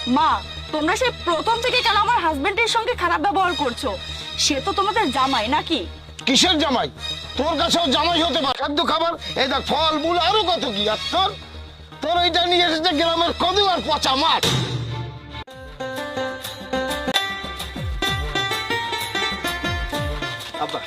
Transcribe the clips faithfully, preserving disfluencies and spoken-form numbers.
মা তোমরা সেই প্রথম থেকে কেন আমার হাজবেন্ডের সঙ্গে খারাপ ব্যবহার করছো? সে তো তোমাদের জামাই নাকি? কিসের জামাই? তোর কাছেও জামাই হতে পারে। খাদ্য খাবার, এই দেখ ফল মূল আরো কত কি। আর তোর তোর এইটা নিয়ে এসেছে গ্রামের কদু আর পচা মাছ। আব্বা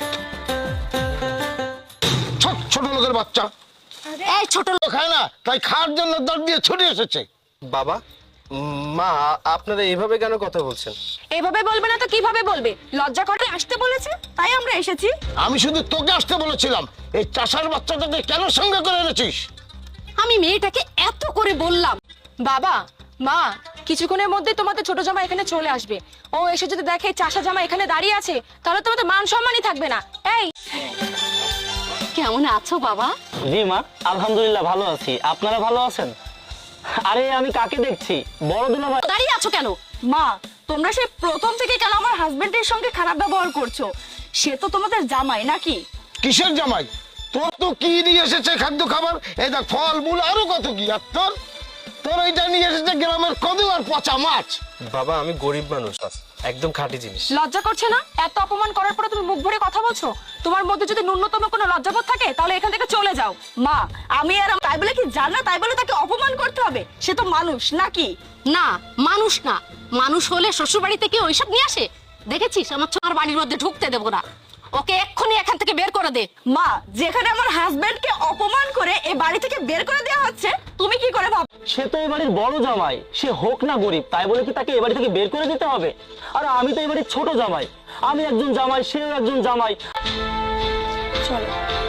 ছোট ছোট লোকের বাচ্চা, এই ছোট লোক খায় না, তাই খাওয়ার জন্য দর দিয়ে ছুটে এসেছে। বাবা মা আপনারা এইভাবে কেন কথা বলছেন? এইভাবে বলবে না তো কিভাবে বলবে? লজ্জা করে আসতে বলেছে তাই আমরা এসেছি। আমি শুধু তোকে আসতে বলেছিলাম, এই চাষার বাচ্চাটাকে কেন সঙ্গে করে এনেছিস? আমি মেয়েটাকে এত করে বললাম। বাবা মা কিছুক্ষণের মধ্যে তোমাদের ছোট জামা এখানে চলে আসবে। ও এসে যদি দেখে চাষা জামা এখানে দাঁড়িয়ে আছে তাহলে তোমাদের মান সম্মানই থাকবে না। এই কেমন আছো বাবা? জি মা, আলহামদুলিল্লাহ ভালো আছি। আপনারা ভালো আছেন? আরে আমি কাকে দেখছি? বড় দুলাভাই। দাঁড়িয়ে আছো কেন? মা তোমরা সেই প্রথম থেকে কেন আমার হাজবেন্ডের সঙ্গে খারাপ ব্যবহার করছো? সে তো তোমাদের জামাই নাকি? কিসের জামাই? তোর তো কি নিয়ে এসেছে খাদ্য খাবার, এই দেখ ফল মূল আরো কত কি। আর তোর তোর এইটা নিয়ে এসেছে গ্রামের কদু আর পচা মাছ। বাবা আমি গরিব মানুষ, একদম খাঁটি জিনিস। লজ্জা করছে না? এত অপমান করার পরে তুমি মুখ ভরে কথা বলছো? তোমার মধ্যে যদি ন্যূনতম কোনো লজ্জাবোধ থাকে তাহলে এখান থেকে চলে যাও। মা আমি আর তাই বলে কি জান না তাই বলে তাকে অপমান করতে হবে? সে তো মানুষ নাকি? না মানুষ না, মানুষ হলে শ্বশুর বাড়ি থেকে ওইসব নিয়ে আসে? দেখেছিস আমার ছোঁয়ার বাড়ির মধ্যে ঢুকতে দেবো না, ওকে এক্ষুনি এখান থেকে বের করে দে। মা যেখানে আমার হাজবেন্ডকে অপমান করে এই বাড়ি থেকে বের করে দেওয়া হচ্ছে, তুমি কি করে ভাব? সে তো এই বাড়ির বড় জামাই, সে হোক না গরিব তাই বলে কি তাকে এই বাড়ি থেকে বের করে দিতে হবে? আর আমি তো এই বাড়ির ছোট জামাই, আমি একজন জামাই, সেও একজন জামাই। চলো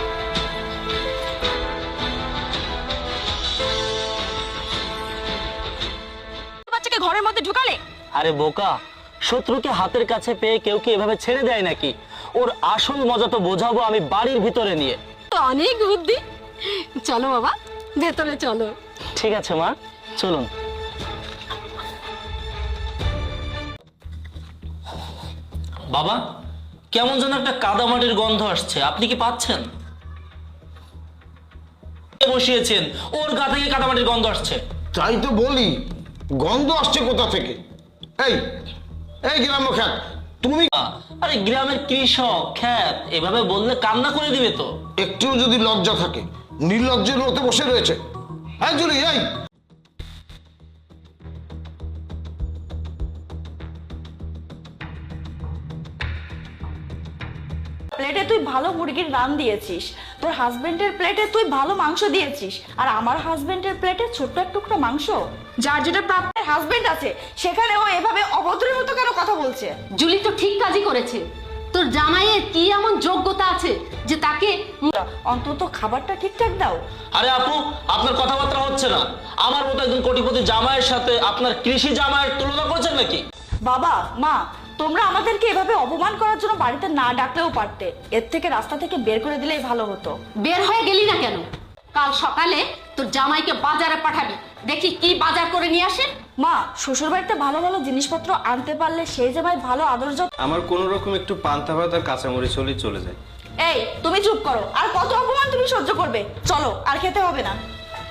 বাচ্চাকে ঘরের মধ্যে ঢুকালে? আরে বোকা, শত্রুকে হাতের কাছে পেয়ে কেউ কি এভাবে ছেড়ে দেয় নাকি? ওর আসল মজা তো বোঝাবো আমি বাড়ির ভিতরে নিয়ে। তো অনেক বুদ্ধি, চলো বাবা ভেতরে চলো। ঠিক আছে মা, চলুন। বাবা কেমন যেন একটা কাদামাটির গন্ধ আসছে, আপনি কি পাচ্ছেন? বসিয়েছেন, ওর গা থেকে কাদামাটির গন্ধ আসছে। তাই তো বলি, গন্ধ আসছে কোথা থেকে? এই এই গ্রাম্য খ্যাত, তুমি আরে গ্রামের কৃষক খ্যাত এভাবে বললে কান্না করে দিবে তো। একটুও যদি লজ্জা থাকে, নির্লজ্জের মতো বসে রয়েছে। হ্যাঁ জুলি, এই প্লেটে তুই ভালো মুরগির রান দিয়েছিস, তোর হাজবেন্ডের প্লেটে তুই ভালো মাংস দিয়েছিস, আর আমার হাজবেন্ডের প্লেটে ছোট্ট এক টুকরো মাংস। যার যেটা প্রাপ্ত হাজবেন্ড আছে সেখানে ও এভাবে অভদ্রের মতো কেন কথা বলছে? জুলি তো ঠিক কাজই করেছে। তোর জামাইয়ের কি এমন যোগ্যতা আছে যে তাকে অন্তত খাবারটা ঠিকঠাক দাও। আরে আপু, আপনার কথাবার্তা হচ্ছে না। আমার মতো একজন কোটিপতি জামাইয়ের সাথে আপনার কৃষি জামাইয়ের তুলনা করছেন নাকি? বাবা মা তোমরা আমাদেরকে এভাবে অপমান করার জন্য বাড়িতে না ডাকলেও পারতে, এর থেকে রাস্তা থেকে বের করে দিলেই ভালো হতো। বের হয়ে গেলি না কেন? কাল সকালে তোর জামাইকে বাজারে পাঠাবি, দেখি কি বাজার করে নিয়ে আসে। মা শ্বশুর বাড়িতে ভালো ভালো জিনিসপত্র আনতে পারলে সেই জামাই ভালো আদর যত্ন। আমার কোন রকম একটু পান্তা ভাত আর কাঁচামরিচ হলেই চলে যায়। এই তুমি চুপ করো, আর কত অপমান তুমি সহ্য করবে? চলো আর খেতে হবে না।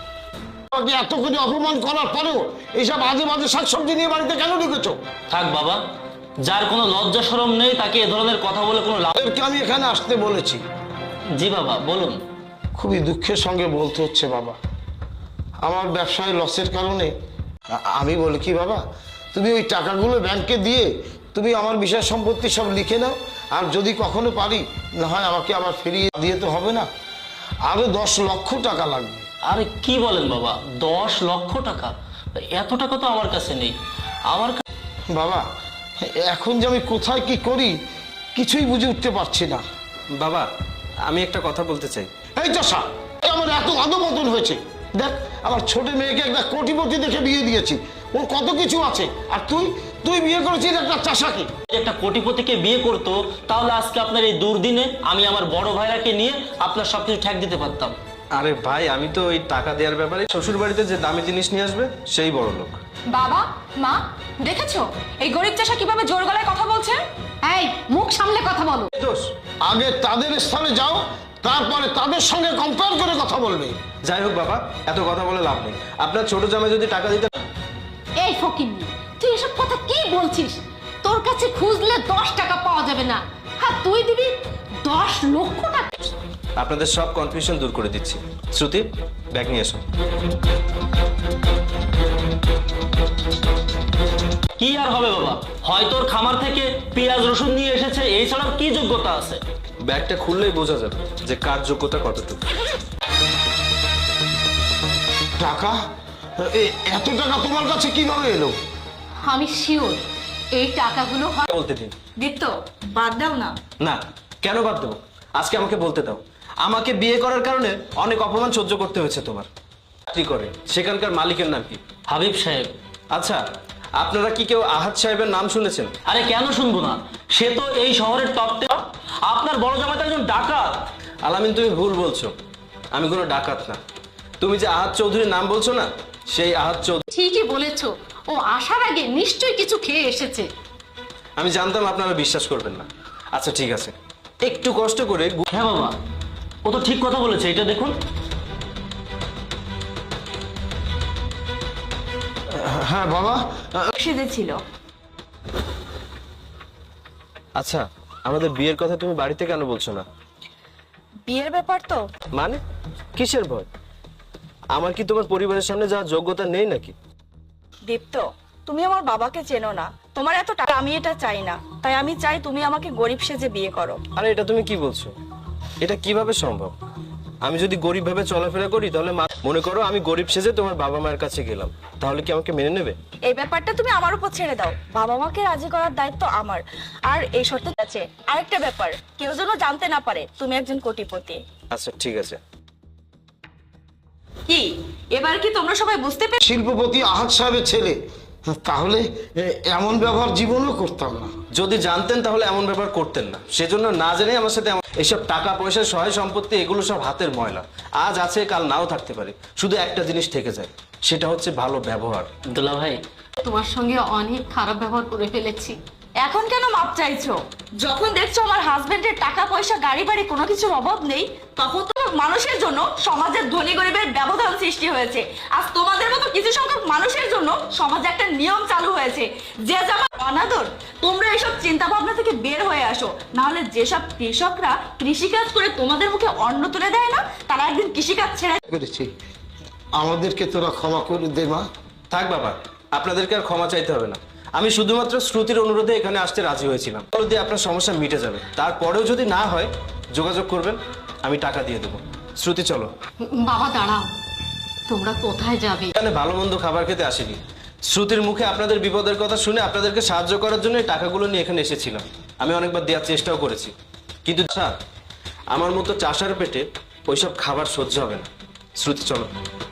আমাকে এত করে অপমান করার পরেও এইসব আজে বাজে শাকসবজি নিয়ে বাড়িতে কেন ঢুকেছো? থাক বাবা, যার কোনো লজ্জা শরম নেই তাকে এ ধরনের কথা বলে কোনো লাভ। ওদেরকে আমি এখানে আসতে বলেছি। জি বাবা বলুন। খুবই দুঃখের সঙ্গে বলতে হচ্ছে বাবা, আমার ব্যবসায় লসের কারণে আ- আমি বলি কি বাবা, তুমি ওই টাকাগুলো ব্যাংকে দিয়ে তুমি আমার বিষয় সম্পত্তি সব লিখে নাও, আর যদি কখনো পারি না হয় আমাকে আবার ফিরিয়ে দিয়ে তো হবে না, আরো দশ লক্ষ টাকা লাগবে। আরে কি বলেন বাবা, দশ লক্ষ টাকা? এত টাকা তো আমার কাছে নেই। আমার কা- বাবা এখন যে আমি কোথায় কি করি কিছুই বুঝে উঠতে পারছি না। বাবা আমি একটা কথা বলতে চাই। এই চাষা, আমার এত অধপতন হয়েছে। দেখ আমার ছোট মেয়েকে একটা কোটিপতি দেখে বিয়ে দিয়েছি, ওর কত কিছু আছে, আর তুই তুই বিয়ে করেছিস একটা চাষাকে। একটা কোটিপতিকে বিয়ে করতো তাহলে আজকে আপনার এই দুর্দিনে আমি আমার বড় ভাইরাকে নিয়ে আপনার সবকিছু ঠেক দিতে পারতাম। আরে ভাই আমি তো ওই টাকা দেওয়ার ব্যাপারে শ্বশুর বাড়িতে যে দামি জিনিস নিয়ে আসবে সেই বড় লোক। বাবা মা দেখেছো এই গরিব চাষা কিভাবে জোর গলায় কথা বলছে? এই মুখ সামলে কথা বলো। দোষ আগে তাদের স্থানে যাও, তারপরে তাদের সঙ্গে কম্পেয়ার করে কথা বলবে। যাই হোক বাবা, এত কথা বলে লাভ নেই। আপনার ছোট জামাই যদি টাকা দিতে এই ফকিন্নি, এইসব কথা কি বলছিস? তোর কাছে খুঁজলে দশ টাকা পাওয়া যাবে না, আর তুই দিবি দশ লক্ষ টাকা। আপনাদের সব কনফিউশন দূর করে দিচ্ছি। শ্রুতি, ব্যাগ নিয়ে এসো। কি আর হবে বাবা, হয়তো ওর খামার থেকে পেঁয়াজ রসুন নিয়ে এসেছে, এই ছাড়া কি যোগ্যতা আছে? ব্যাগটা খুললেই বোঝা যাবে যে কার যোগ্যতা কতটুকু। টাকা? এ- এত টাকা তোমার কাছে কিভাবে এলো? আমি শিওর এই টাকাগুলো হয়। বলতে দিন। দীপ্ত, বাদ দাও না। না, কেন বাদ দেবো? আজকে আমাকে বলতে দাও। আমাকে বিয়ে করার কারণে অনেক অপমান সহ্য করতে হয়েছে তোমার। চাকরি করে সেখানকার মালিকের নাম কি? হাবিব সাহেব। আচ্ছা, আপনারা কি কেউ আহাদ সাহেবের নাম শুনেছেন? আরে কেন শুনবো না, সে তো এই শহরের টপ টেন। আপনার বড় জামাই তো একজন ডাকাত। আলামিন, তুমি ভুল বলছো। আমি কোনো ডাকাত না। তুমি যে আহাদ চৌধুরীর নাম বলছো না, সেই আহাদ চৌধুরী। ঠিকই বলেছো, ও আসার আগে নিশ্চয়ই কিছু খেয়ে এসেছে। আমি জানতাম আপনারা বিশ্বাস করবেন না। আচ্ছা ঠিক আছে, একটু কষ্ট করে গু- হ্যাঁ বাবা, ও তো ঠিক কথা বলেছে, এটা দেখুন। হ্যাঁ বাবা, সেজেছিল। আচ্ছা, আমাদের বিয়ের কথা তুমি বাড়িতে কেন বলছো না? বিয়ের ব্যাপার তো। মানে কিসের ভয়? আমার কি তোমার পরিবারের সামনে যাওয়ার যোগ্যতা নেই নাকি? দীপ্ত, তুমি আমার বাবাকে চেনো না, তোমার এত টাকা আমি এটা চাই না, তাই আমি চাই তুমি আমাকে গরিব সেজে বিয়ে করো। আরে এটা তুমি কি বলছো? এটা কিভাবে সম্ভব? আমি যদি গরিব ভাবে চলাফেরা করি তাহলে মা- মনে করো আমি গরিব সেজে তোমার বাবা মায়ের কাছে গেলাম, তাহলে কি আমাকে মেনে নেবে? এই ব্যাপারটা তুমি আমার উপর ছেড়ে দাও, বাবা মাকে রাজি করার দায়িত্ব আমার। আর এই শর্তে আছে আরেকটা ব্যাপার, কেউ যেন জানতে না পারে তুমি একজন কোটিপতি। আচ্ছা ঠিক আছে। কি এবার কি তোমরা সবাই বুঝতে পেরে? শিল্পপতি আহাদ সাহেবের ছেলে, তাহলে এ, এমন ব্যবহার জীবনেও করতাম না। যদি জানতেন তাহলে এমন ব্যাপার করতেন না। সেজন্য না জেনে আমার সাথে এমন- এইসব টাকা পয়সা সহায় সম্পত্তি এগুলো সব হাতের ময়লা। আজ আছে কাল নাও থাকতে পারে, শুধু একটা জিনিস থেকে যায়, সেটা হচ্ছে ভালো ব্যবহার। দুলা ভাই, তোমার সঙ্গে অনেক খারাপ ব্যবহার করে ফেলেছি। এখন কেন মাপ চাইছো? যখন দেখছো আমার হাজবেন্ডের টাকা পয়সা গাড়ি বাড়ি কোনো কিছুর অভাব নেই, তখন তো মানুষের জন্য সমাজের ধনী গরিবের ব্যবধান সৃষ্টি হয়েছে। আজ তোমাদের মতো কিছু সংখ্যক মানুষের জন্য সমাজে একটা নিয়ম চালু হয়েছে, যে যেমন অনাদর। তোমরা এসব চিন্তা ভাবনা থেকে বের হয়ে আসো, না হলে যেসব কৃষকরা কৃষিকাজ করে তোমাদের মুখে অন্ন তুলে দেয় না, তারা একদিন কৃষিকাজ ছেড়ে করেছি, আমাদেরকে তোরা ক্ষমা করে দে মা। থাক বাবা, আপনাদেরকে আর ক্ষমা চাইতে হবে না। আমি শুধুমাত্র শ্রুতির অনুরোধে এখানে আসতে রাজি হয়েছিলাম। যদি আপনার সমস্যা মিটে যাবে, তারপরেও যদি না হয় যোগাযোগ করবেন, আমি টাকা দিয়ে দেবো। শ্রুতি চলো। বাবা দাঁড়াও, তোমরা কোথায় যাবে? এখানে ভালো মন্দ খাবার খেতে আসিনি। শ্রুতির মুখে আপনাদের বিপদের কথা শুনে আপনাদেরকে সাহায্য করার জন্য এই টাকাগুলো নিয়ে এখানে এসেছিলাম। আমি অনেকবার দেওয়ার চেষ্টাও করেছি, কিন্তু স্যার আমার মতো চাষার পেটে ওইসব খাবার সহ্য হবে না। শ্রুতি চলো।